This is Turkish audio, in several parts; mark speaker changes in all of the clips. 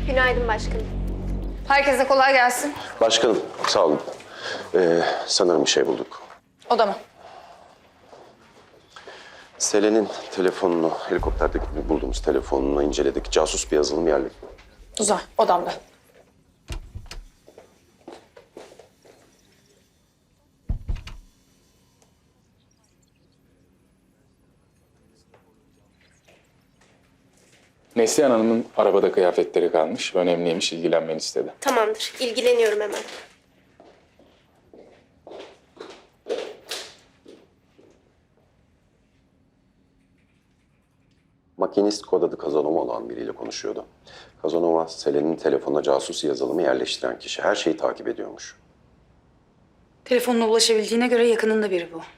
Speaker 1: Günaydın başkanım.
Speaker 2: Herkese kolay gelsin.
Speaker 3: Başkanım, sağ olun. Sanırım bir şey bulduk.
Speaker 2: O da mı?
Speaker 3: Selen'in telefonunu, helikopterdeki bulduğumuz telefonunu inceledik. Casus bir yazılım yerli.
Speaker 2: Güzel, odamda.
Speaker 4: Neslihan Hanım'ın arabada kıyafetleri kalmış. Önemliymiş, ilgilenmeni istedi.
Speaker 1: Tamamdır. İlgileniyorum hemen.
Speaker 3: Makinist kod adı Kazanova olan biriyle konuşuyordu. Kazanova, Selen'in telefonuna casus yazılımı yerleştiren kişi. Her şeyi takip ediyormuş.
Speaker 2: Telefonuna ulaşabildiğine göre yakınında biri bu.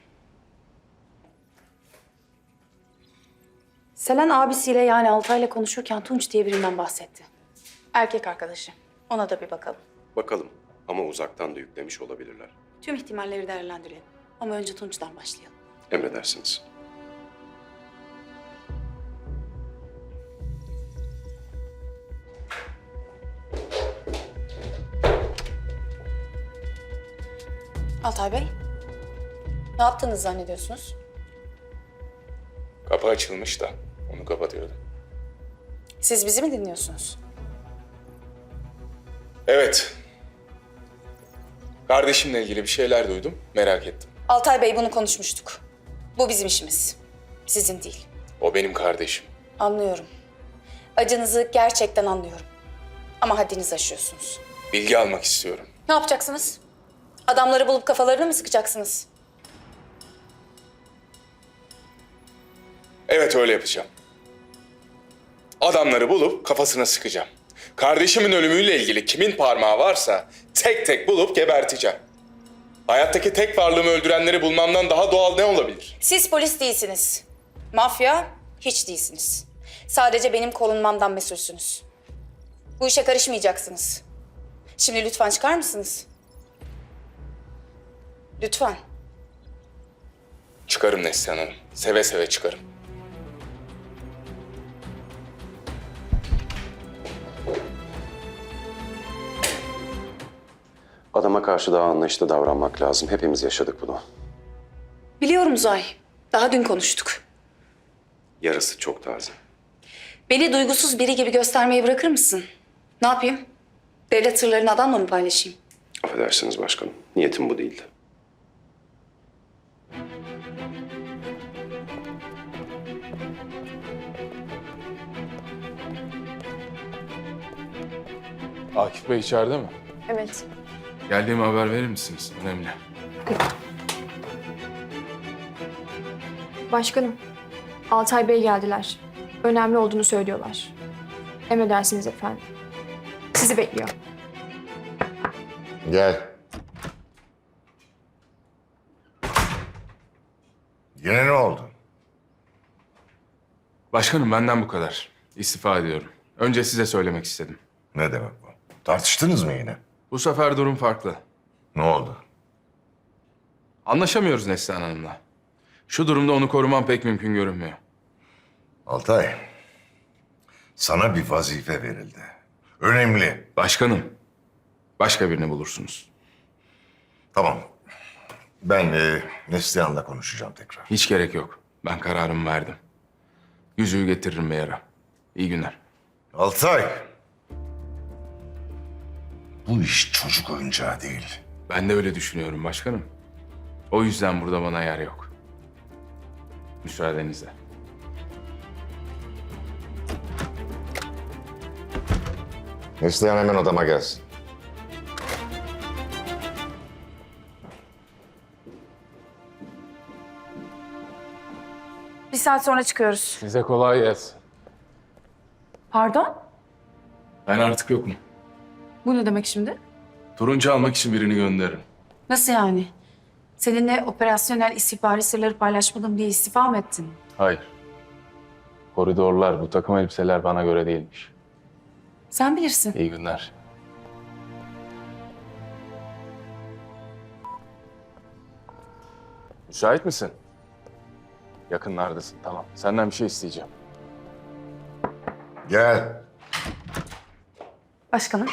Speaker 2: Selen abisiyle yani Altay'la konuşurken Tunç diye birinden bahsetti. Erkek arkadaşı. Ona da bir bakalım.
Speaker 3: Bakalım ama uzaktan da yüklemiş olabilirler.
Speaker 2: Tüm ihtimalleri değerlendirelim. Ama önce Tunç'tan başlayalım.
Speaker 3: Emredersiniz.
Speaker 2: Altay Bey, ne yaptığınızı zannediyorsunuz?
Speaker 4: Kapı açılmış da onu kapatıyordu.
Speaker 2: Siz bizi mi dinliyorsunuz?
Speaker 4: Evet. Kardeşimle ilgili bir şeyler duydum, merak ettim.
Speaker 2: Altay Bey, bunu konuşmuştuk. Bu bizim işimiz. Sizin değil.
Speaker 4: O benim kardeşim.
Speaker 2: Anlıyorum. Acınızı gerçekten anlıyorum. Ama haddinizi aşıyorsunuz.
Speaker 4: Bilgi almak istiyorum.
Speaker 2: Ne yapacaksınız? Adamları bulup kafalarını mı sıkacaksınız?
Speaker 4: Evet, öyle yapacağım. Adamları bulup kafasına sıkacağım. Kardeşimin ölümüyle ilgili kimin parmağı varsa tek tek bulup geberteceğim. Hayattaki tek varlığımı öldürenleri bulmamdan daha doğal ne olabilir?
Speaker 2: Siz polis değilsiniz. Mafya hiç değilsiniz. Sadece benim korunmamdan mesulsünüz. Bu işe karışmayacaksınız. Şimdi lütfen çıkar mısınız? Lütfen.
Speaker 4: Çıkarım Neslihan Hanım. Seve seve çıkarım.
Speaker 3: Adama karşı daha anlayışlı davranmak lazım. Hepimiz yaşadık bunu.
Speaker 2: Biliyorum Uzay. Daha dün konuştuk.
Speaker 3: Yarısı çok taze.
Speaker 2: Beni duygusuz biri gibi göstermeyi bırakır mısın? Ne yapayım? Devlet sırlarını adamla mı paylaşayım?
Speaker 3: Affedersiniz başkanım. Niyetim bu değildi.
Speaker 4: Akif Bey içeride mi?
Speaker 1: Evet.
Speaker 4: Geldiğimi haber verir misiniz? Önemli.
Speaker 1: Başkanım, Altay Bey geldiler. Önemli olduğunu söylüyorlar. Emredersiniz efendim. Sizi bekliyor.
Speaker 5: Gel. Yine ne oldu?
Speaker 4: Başkanım, benden bu kadar. İstifa ediyorum. Önce size söylemek istedim.
Speaker 5: Ne demek bu? Tartıştınız mı yine?
Speaker 4: Bu sefer durum farklı.
Speaker 5: Ne oldu?
Speaker 4: Anlaşamıyoruz Neslihan Hanım'la. Şu durumda onu korumam pek mümkün görünmüyor.
Speaker 5: Altay, sana bir vazife verildi. Önemli.
Speaker 4: Başkanım, başka birini bulursunuz.
Speaker 5: Tamam. Ben Neslihan'la konuşacağım tekrar.
Speaker 4: Hiç gerek yok. Ben kararımı verdim. Yüzüğü getiririm bir ara. İyi günler.
Speaker 5: Altay! Bu iş çocuk oyuncağı değil.
Speaker 4: Ben de öyle düşünüyorum başkanım. O yüzden burada bana yer yok. Müsaadenizle.
Speaker 5: Neslihan hemen odama gelsin.
Speaker 2: Bir saat sonra çıkıyoruz.
Speaker 4: Size kolay gelsin.
Speaker 2: Pardon?
Speaker 4: Ben artık yokum.
Speaker 2: Bu ne demek şimdi?
Speaker 4: Turuncu almak için birini gönderirim.
Speaker 2: Nasıl yani? Seninle operasyonel istihbari sırları paylaşmadım diye istifa mı ettin?
Speaker 4: Hayır. Koridorlar, bu takım elbiseler bana göre değilmiş.
Speaker 2: Sen bilirsin.
Speaker 4: İyi günler. Müsait misin? Yakınlardasın, tamam. Senden bir şey isteyeceğim.
Speaker 5: Gel.
Speaker 2: Başkanım.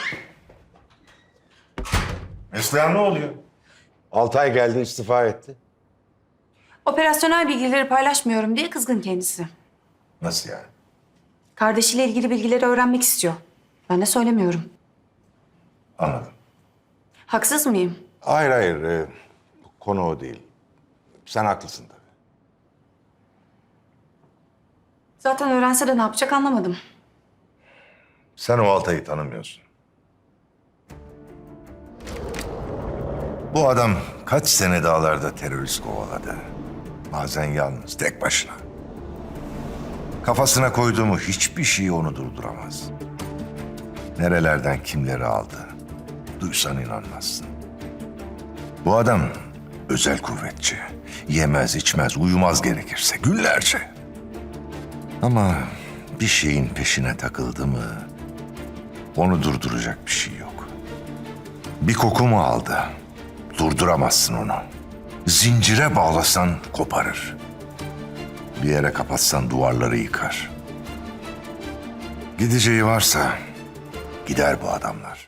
Speaker 5: Neslihan ne oluyor?
Speaker 6: Altay geldi, istifa etti.
Speaker 2: Operasyonel bilgileri paylaşmıyorum diye kızgın kendisi.
Speaker 5: Nasıl yani?
Speaker 2: Kardeşiyle ilgili bilgileri öğrenmek istiyor. Ben de söylemiyorum.
Speaker 5: Anladım.
Speaker 2: Haksız mıyım?
Speaker 6: Hayır hayır, bu konu o değil. Sen haklısın tabii.
Speaker 2: Zaten öğrense de ne yapacak anlamadım.
Speaker 5: Sen o Altay'ı tanımıyorsun. Bu adam kaç sene dağlarda terörist kovaladı. Bazen yalnız, tek başına. Kafasına koyduğu mu hiçbir şey onu durduramaz. Nerelerden kimleri aldı. Duysan inanmazsın. Bu adam özel kuvvetçi. Yemez, içmez, uyumaz gerekirse günlerce. Ama bir şeyin peşine takıldı mı onu durduracak bir şey yok. Bir koku mu aldı? Durduramazsın onu. Zincire bağlasan koparır. Bir yere kapatsan duvarları yıkar. Gideceği varsa gider bu adamlar.